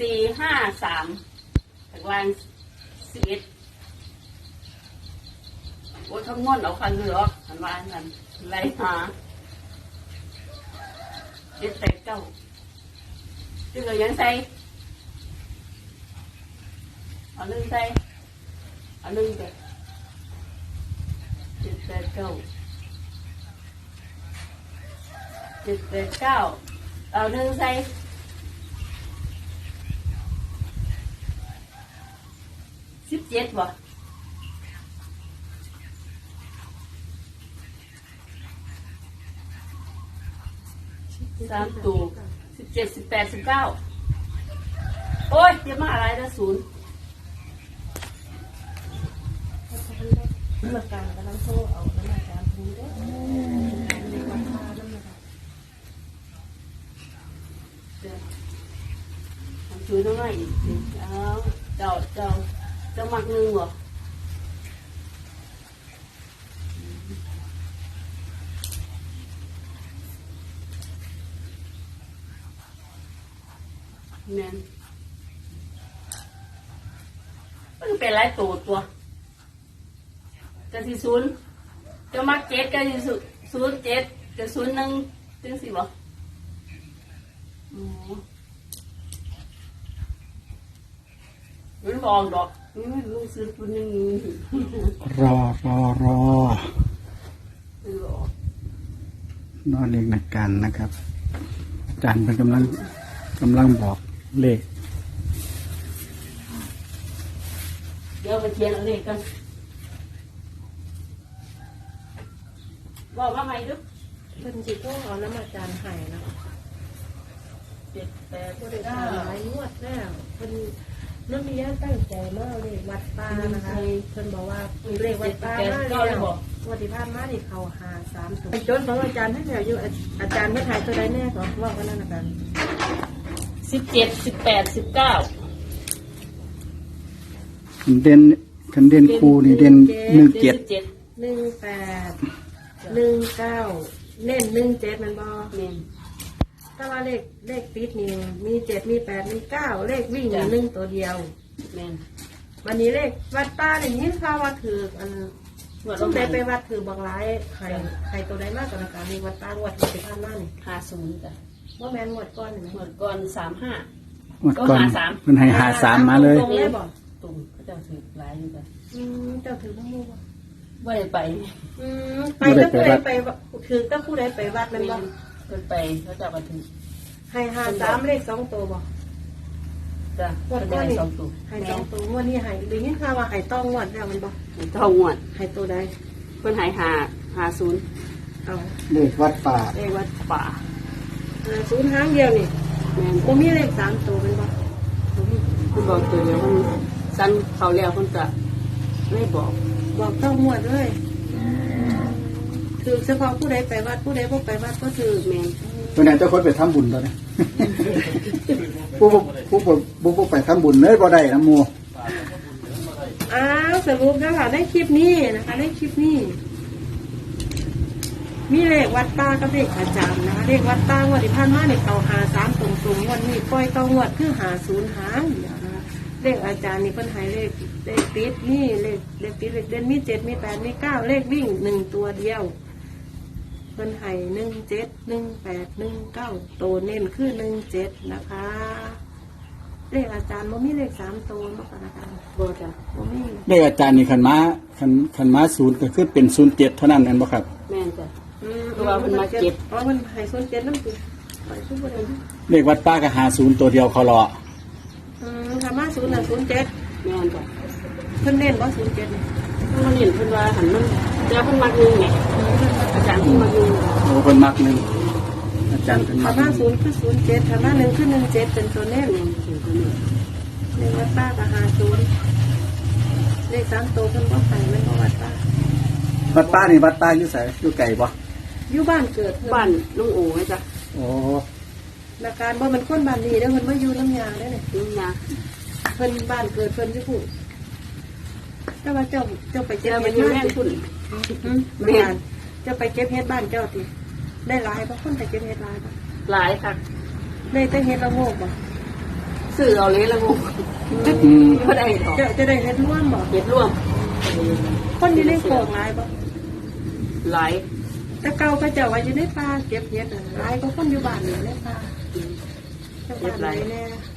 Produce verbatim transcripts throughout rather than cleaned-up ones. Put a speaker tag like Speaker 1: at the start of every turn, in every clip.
Speaker 1: สี่ห้าสามตารางสิบเอ็ดโอ้ทั้งม้วนเอาคันเรืออันว่าอันนั้นไรหาเจ็ดแปดเก้าจึงเรายังใส่เอาหนึ่งใส่เอาหนึ่งไปเจ็ดแปดเก้าเจ็ดแปดเก้าเอาหนึ่งใส่สิบเจ็ดบ่สามตัวสิบเจ็ดสิบแปดสิบเก้าโอ้ยเดี๋ยวมาอะไรนะศูนย์
Speaker 2: น้ำมันการกำลังโซ่เอาน้ำมันการพูดได้ในวันพาน้ำมัน
Speaker 1: ทำช่วยน้อยอีกเจ้าเจ้าเจ้าเจ้ามักหนึ่งบ่แม่นมันเป็นไรตัวตัวจะสี่ศูนย์จะมักเจ็ดก็สี่ศูนย์เจ็ดจะศูนย์หนึ่งจังสิบ่อ๋อมันบอกดอกมันลูกซื้อคนหนึ่ง
Speaker 3: รอรอรอ
Speaker 1: ซื้อออก
Speaker 3: นอนเล็กนักกันนะครับอาจารย์เป็นกำลังกำลังบอกเลข
Speaker 1: เดี๋ยวไปเทียนเอาเลขกันบอกว่าไงลูก
Speaker 2: เพิ่นสิโซ่เอาน้ำมันการหายนะ
Speaker 1: เจ็ดแปด
Speaker 2: ก็ได้
Speaker 1: เก้า
Speaker 2: หลายงวดแล้วเพิ่นน้ำมีญาตั้งใจมากเลยวัดป้านะคะเพิ่นบอกว่าเลขวัดป้ามาแล้ววันที่ผ่านมานี่เขาหาสามตัวจนของอาจารย์ให้แล้วอยู่อาจารย์ไม่ถ่ายตัวใดแน่ก็ว่ากันนั่นนะกัน
Speaker 1: สิบเจ็ดสิบแปดสิบเก้า
Speaker 3: คันเด่นคันเด่นครูนี่เด่นหนึ่งเจ็ด
Speaker 1: เจ็ด
Speaker 2: หนึ่งแปดหนึ่งเก้าเน้นหนึ่งเจ็ดมันบอ
Speaker 1: เมน
Speaker 2: ถ้าว่าเลขเลขปิดนี่มีเจ็ดมีแปดมีเก้าเลขวิ่งมีหนึ่งตัวเดียว
Speaker 1: เมน
Speaker 2: วันนี้เลขวัดป้าอย่างนี้ข้าว่าถืออันสมเด็จไปวัดถือบางร้ายไข่ไข่ตัวใดมากกว่าการมีวัดป้างวดที่สิบห้านั่น
Speaker 1: ห้าศูนย์จ้ะ
Speaker 2: ว่าแมนงวดก้อนเห็นไหม
Speaker 1: หมดก่อนสามห้า
Speaker 3: งวดก่อน
Speaker 1: ก็หาสาม
Speaker 3: เพิ่นให้หาสามมาเลย
Speaker 2: ตรงเลยบอก
Speaker 1: ตุ่มเขาจะถือหลายอยู่จ้ะ
Speaker 2: อืมเจ้าถือพวกมูบ่
Speaker 1: ว่าได้ไป
Speaker 2: อืมไปก็ผู้ใดไปถือก็ผู้ใดไปวัด
Speaker 1: เม
Speaker 2: นั่นบ่
Speaker 1: นเพิ่นไปเขาจะมาถือ
Speaker 2: ให้หาสามเลขสองตัวบ่
Speaker 1: จ้ะ
Speaker 2: ง
Speaker 1: เพิ่
Speaker 2: วด
Speaker 1: น
Speaker 2: ก้อ
Speaker 1: ได้
Speaker 2: นนี่
Speaker 1: สองตัว
Speaker 2: ให้
Speaker 1: แม่
Speaker 2: สองตัวงวดนี้ให้หรือยิ่งข้าว่าให้ต้องงวดแล้วมันบ่
Speaker 1: เท่างวด
Speaker 2: ให้ตัวใด
Speaker 1: เพิ่นใหายหาหาศูนย์
Speaker 2: เอา
Speaker 3: เลขวัดป่า
Speaker 1: เลขวัดป่า
Speaker 2: หาศูนย์หางเดียวนี่
Speaker 1: แม่น
Speaker 2: บ่มีเลขสามตัวมันบ่
Speaker 1: เพิ่นบอกตัวเดียวมันสั้นเขาแล้วเพิ่นจะไม่บอก
Speaker 2: บอกต้องงวดเลยถือเฉพาะผู้ใดไปวัดผู้ใดบ่ไปวัดก็ถือ
Speaker 1: แม่น
Speaker 3: เพิ่นให้เจ้าคนไปทำบุญตอนนี้ ผู้บ่ผู้บ่ผู้บ่ไปทำบุญเลยบ่ได้นะหมู่
Speaker 2: อ้าวสรุปนะคะในคลิปนี้นะคะในคลิปนี้ มีเลขวัดป้ากับเลขอาจารย์นะคะเลขวัดป้างวดที่ผ่านมาเนี่ยเขาหาสามตรงๆวันนี้ปล่อยต้องงวดคือหาศูนย์หางเดียวนะคะเลขอาจารย์นี่เพิ่นให้เลขเลขติดนี่เลขเลขติดเลขเด่นมีเจ็ดมีแปดมีเก้าเลขวิ่งหนึ่งตัวเดียวเพิ่นให้หนึ่งเจ็ดหนึ่งแปดหนึ่งเก้าตัวเน้นคือหนึ่งเจ็ดนะคะ เลขอาจารย์บ่มีเลขสามตัวเนาะค่ะอาจารย์
Speaker 1: บ่จ้ะ
Speaker 2: บ่มี
Speaker 3: เลขอาจารย์นี่คันมาคันคันมาศูนย์ก็คือเป็นศูนย์เจ็ดเท่านั้นแม่นบ่ครับ
Speaker 1: แม่นจ้ะ
Speaker 2: อืม
Speaker 1: เพราะว่าเพิ่นมาเก็บ
Speaker 2: เพราะมันให้ส่วนเจ็ดน้ำติไปทุกประเด็น
Speaker 3: เลขวัดป่าก็หาศูนย์ตัวเดียวเขารอ
Speaker 2: อืมธรรมะศูนย์น่ะศูนย์เจ็ด
Speaker 1: แม่นจ้ะ
Speaker 2: เพิ่นเน้นว่าศูนย์เจ็ดนี่
Speaker 1: มันเห็นเพิ่นว่าหันมันเจ้าเพิ่นมักนึงไงอาจารย์เพิ่นมักนึง
Speaker 3: โอ้เพิ่นมักหนึงอาจารย์เพิ่น
Speaker 2: ธร
Speaker 3: มั
Speaker 2: ร
Speaker 3: ก
Speaker 2: มะศูนย์คือศูนย์เจ็ดธรรมะหนึ่งคือหนึ่งเจ็ดเป็นตัวเน้น
Speaker 1: แม่นถึงตัวนี้
Speaker 2: เลขวัดป้ากับหาศูนย์เลขสามตัวเพิ่นก็ใส่ไม่ก็วัดป้า
Speaker 3: วัดป่านี่วัดป่าอยู่ไสอยู่ไกลบ่
Speaker 2: อยู่บ้านเกิดเพิ่น
Speaker 1: บ้านลุงโอ๋ไหมจ้ะ
Speaker 3: โอ้
Speaker 2: นาการบ่มันคนบ้านนี้เด้อเพิ่นบ่อยู่น้ำยาเด้อเนี่ย
Speaker 1: ลุงยา
Speaker 2: เพิ่นบ้านเกิดเพิ่นอยู่พุ่นแต่ว่าเจ้าเจ้าไปเก็บ
Speaker 1: เจ้าไป
Speaker 2: เฮ็ด
Speaker 1: อยู่
Speaker 2: มา
Speaker 1: แม่น
Speaker 2: ติ
Speaker 1: คุณ
Speaker 2: อืมแม่นเจ้าไปเก็บเฮ็ดบ้านเจ้าติได้หลายบ่คนไปเก็บเฮ็ดหลายบ่
Speaker 1: หลายค่ะ
Speaker 2: ได้แต่เฮ็ดละโงกบ่
Speaker 1: ซื้อเอาเลยละงู
Speaker 3: อืม
Speaker 1: ไม่ได้หรอก
Speaker 2: จะจะได้เฮ็ดร่วมบ่
Speaker 1: เห็ดร่วม
Speaker 2: คนที่ได้โกงหลายบ่
Speaker 1: หลาย
Speaker 2: แต่เก่าก็เจ้าว่าอยู่ในป่าเก็บเฮ็ดน่ะหลายก็คนอยู่บ้านนี่ในป่าเจ้าบ้านไหนแน่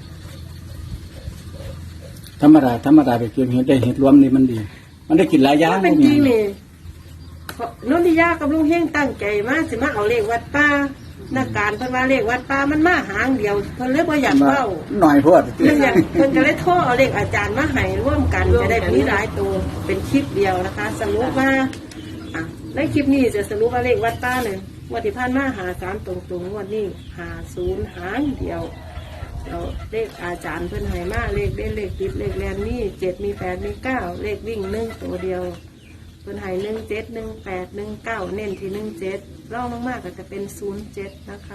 Speaker 3: ธรรมดาธรรมดาไปเก็บเห็ดได้เห็ดรวมนี่มันดี มันได้กินหลายอย่าง
Speaker 2: ถ้าเป็นจริงนี่นนทิยากับลุงเฮงตั้งใจมาสิมาเอาเลขวัดป่านักการเพิ่นว่าเลขวัดป่ามันมาหางเดียวเพิ่นเลยบ่อยากเว้า
Speaker 3: หน่อยโพด
Speaker 2: เพิ่นอยากเพิ่นก็เลยโทรเอาเลขอาจารย์มาให้ร่วมกันจะได้มีหลายตัวเป็นคลิปเดียวนะคะ สรุปว่าอ่ะในคลิปนี้จะสรุปว่าเลขวัดป่าเนี่ยงวันที่ผ่านมาหาสามตรงๆงวันนี้หาศูนย์หางเดียวเราเลขอาจารย์เพิ่นให้มาเลขเด่นเลขติดเลขแรมนี่เจ็ดมีแปดมีเก้าเลขวิ่งหนึ่งตัวเดียวเพิ่นให้หนึ่งเจ็ดหนึ่งแปดหนึ่งเก้าเน้นที่หนึ่งเจ็ดร่องลงมากก็จะเป็นศูนย์เจ็ดนะคะ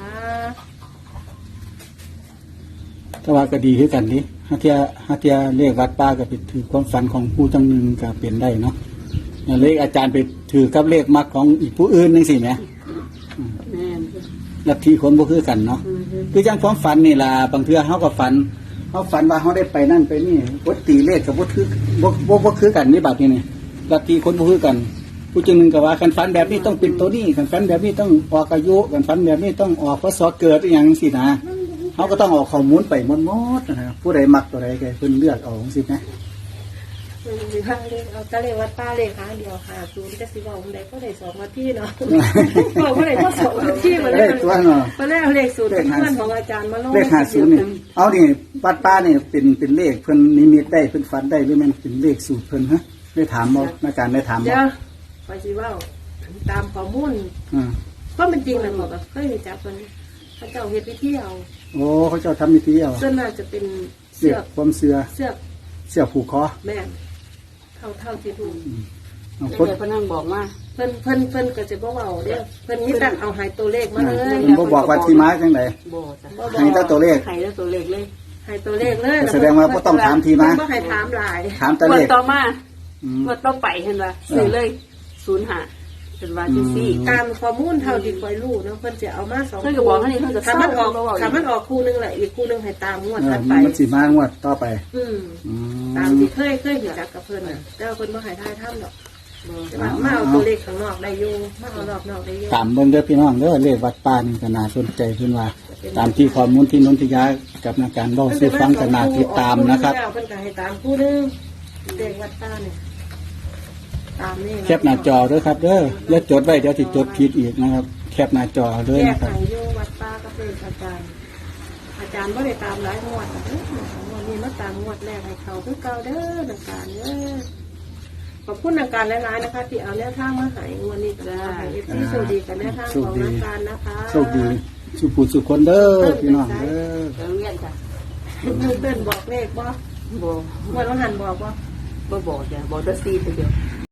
Speaker 3: ก็ว่าก็ดีคือกันนี่ฮาเทียฮาเทียเลขวัดป้าก็ไปถือความฝันของผู้จังหนึ่งก็เปลี่ยนได้เนาะเลขอาจารย์ไปถือกับเลขมักของอีกผู้อื่นนึงสิแหม
Speaker 1: แม่น
Speaker 3: ลัทธิคนบ่คือกันเนาะคือจังความฝันนี่ล่ะบางเทื่อเฮาก็ฝันเฮาฝันว่าเฮาได้ไปนั่นไปนี่บ่ตีเลขก็บ่คือบ่บ่บ่คือกันนี่บัดนี้นี่ลัทธิคนบ่คือกัน ผู้จังหนึงก็ว่าคันฝันแบบนี้ต้องเป็นตัวนี้คันฝันแบบนี้ต้องออกอายุคันฝันแบบนี้ต้องออกพศเกิดอีหยังจังซี่นะเฮาก็ต้องเอาข้อมูลไปหมดๆนะครับผู้ใดมักตัวใดก็ให้เพิ่นเลือกเอาจังซี่นะ
Speaker 2: อืมสิว่าเลขเอาแต่เลขวัดป้าเลขหางเดียวหาศูนย์จะสิบอกผมได้ก็ได้สองนาทีเนาะ บอกว่าได้ก็สองนาทีมา
Speaker 3: เล
Speaker 2: แล้ว
Speaker 3: ขตัวเนาะ
Speaker 2: มาแล้วเลขศูนย์เป็นเพื่อนของอาจารย์มาลง
Speaker 3: เลขห้าสิบนี่เอานี่วัดป้านี่เป็นเป็นเลขเพิ่นนิมิตได้เพิ่นฝันได้หรือมันเป็นเลขสูตรเพิ่นฮะได้ถามบ่ในการได้ถามบ่
Speaker 2: เดี๋ยวไปสิว่าตามข้อมูล
Speaker 3: อ่า
Speaker 2: เพราะมันจริงนะบอกว่าเคยมีจับคนพระเจ้าเฮ็ดพิธีเอา
Speaker 3: โอ้เขาเจ้าทำพิธีเอา
Speaker 2: ส่วนมากจะเป็น
Speaker 3: เสื
Speaker 2: เสื
Speaker 3: อ
Speaker 2: อก ก
Speaker 3: ความเสือ
Speaker 2: เสือก
Speaker 3: เสือกผูกคอ
Speaker 2: แม่นเท่าเท่าที่ถูก
Speaker 3: เอา
Speaker 1: เดี๋
Speaker 3: คน
Speaker 1: ยวเพนนั่งบอกมา
Speaker 2: เพิ่นเพิ่นเพิ่นก็จะบอกว่าเด้อเพิ่นมีแต่เอาหายตัวเลขมาเลย
Speaker 3: มันบ่บอกว่าที่มาจังได
Speaker 1: บ่จ้ะ
Speaker 2: บ่บ
Speaker 3: ให้แต่ตัวเลข
Speaker 1: ให้แล้วตัวเลขเลย
Speaker 2: หายตัวเลขเลย
Speaker 3: แสดงว่าบ่ต้องถามที่มา
Speaker 2: เพิ่นบ่ให้ถามหลาย
Speaker 3: ถามแต่
Speaker 1: งว
Speaker 3: เล
Speaker 1: ด
Speaker 3: ข
Speaker 1: ต่อมา
Speaker 3: อืม
Speaker 1: งวดต่อไปเห็นว่าซื้อเลยศูนย์ห้าเป็นว่าที่สี่
Speaker 2: ตามข้อมูลเท่าที่คอยรู้เนาะเพิ่นจะเอามาสอง
Speaker 1: เพิ่นก็บอกว่านี่เพิ่นก็
Speaker 2: ถ้ามันออก
Speaker 1: เศร้าเพิ่นก็บอกอีก
Speaker 2: ถ้ามันออกคู่หนึงแหละอีกคู่หนึงให้ตามงวด
Speaker 3: เออ
Speaker 2: ถัดไป
Speaker 3: มันสิมางวดต่อไป
Speaker 2: อืม
Speaker 3: อืม
Speaker 2: ตามที่เคยเคยเห็นจักกับเพิ่นน่ะแต่ว่าเพิ่นบ่ให้ทายทำดอก
Speaker 1: บ่
Speaker 2: แต่ว่ามาเอาตัวเลขข้างนอกได้อยู่มาเอารอบนอกได้อยู่
Speaker 3: ตามเบิ่งเด้อพี่น้องเด้อเลขวัดป้านี่ก็น่าสนใจขึ้นว่า ตามที่ข้อมูลที่นนทิยากับนักการเว้าสู่ฟังก็น่าติดตามนะครับ
Speaker 2: เพิ่นก็ให้ตามคู่หนึงเลขวัดตาเนี่ยตามนี่
Speaker 3: แคปหน้าจอเด้อครับเด้ออย่าจดไว้เดี๋ยวสิจดผิดอีกนะครับ แคปหน้าจอเลย
Speaker 2: แยก
Speaker 3: นะครับ
Speaker 2: ให้อยู่วัดตากับเลขอาจารย์ อาจารย์บ่ได้ตามหลายงวดนะเด้องวดนี้มาตามงวดแรกให้เขาคือเก่าเด้อนักการเด้อขอบคุณนักการหลายๆนะคะ ที่เอาแนวทางมาให้งวดนี้ก็ได้ให้เอฟซีโชคดีกับแนวทางของนักการนะคะ
Speaker 3: โชคดีสุขผู้สุขคนเด้อพี่น้องเด้อ
Speaker 1: ไปโรงเรียนจ้ะ
Speaker 2: เพื่อนบอกเลขบ่
Speaker 1: บ่
Speaker 2: งวดวันหันบอกบ่
Speaker 1: บ่บอกจ้ะบอกแต่สี่ตัวเดียว